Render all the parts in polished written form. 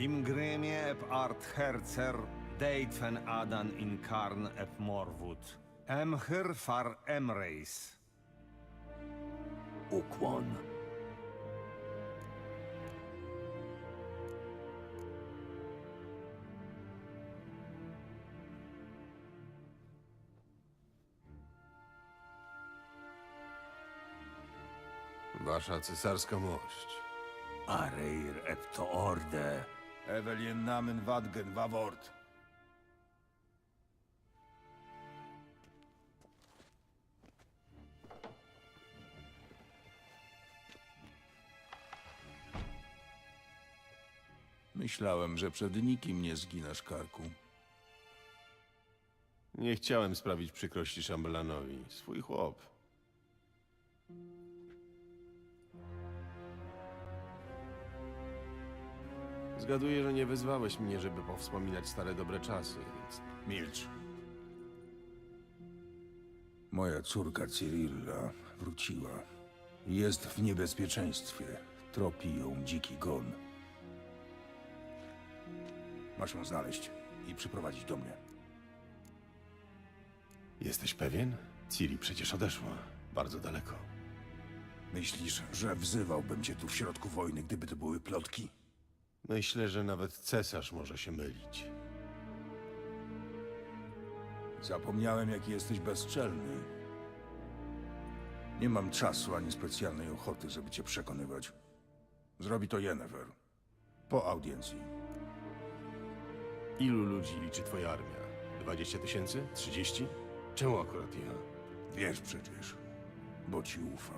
Imgrimie ep art herzer, deitfen adan in karn ep morwut. Emhyr far emreis. Ukłon. Wasza cesarska mość. Areir epto orde. Evelien namen wadgen wawort. Myślałem, że przed nikim nie zginasz karku. Nie chciałem sprawić przykrości szambelanowi. Swój chłop. Zgaduję, że nie wezwałeś mnie, żeby powspominać stare dobre czasy, więc... Milcz. Moja córka Cyrilla wróciła. Jest w niebezpieczeństwie. Tropi ją dziki gon. Masz ją znaleźć i przyprowadzić do mnie. Jesteś pewien? Ciri przecież odeszła. Bardzo daleko. Myślisz, że wzywałbym cię tu w środku wojny, gdyby to były plotki? Myślę, że nawet cesarz może się mylić. Zapomniałem, jaki jesteś bezczelny. Nie mam czasu ani specjalnej ochoty, żeby cię przekonywać. Zrobi to Yennefer. Po audiencji. Ilu ludzi liczy twoja armia? 20 000? 30? Czemu akurat ja? Wiesz przecież, bo ci ufa.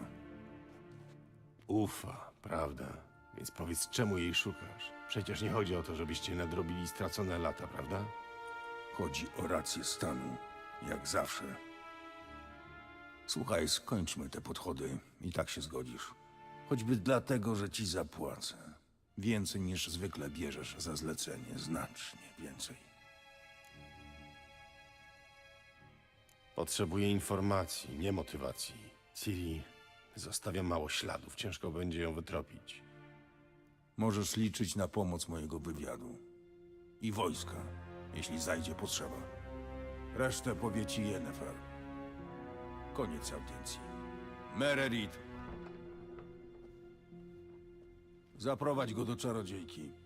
Ufa, prawda? Więc powiedz, czemu jej szukasz? Przecież nie chodzi o to, żebyście nadrobili stracone lata, prawda? Chodzi o rację stanu, jak zawsze. Słuchaj, skończmy te podchody i tak się zgodzisz. Choćby dlatego, że ci zapłacę. Więcej niż zwykle bierzesz za zlecenie, znacznie więcej. Potrzebuję informacji, nie motywacji. Ciri zostawia mało śladów, ciężko będzie ją wytropić. Możesz liczyć na pomoc mojego wywiadu. I wojska, jeśli zajdzie potrzeba. Resztę powie ci Yennefer. Koniec audiencji. Mererid! Zaprowadź go do czarodziejki.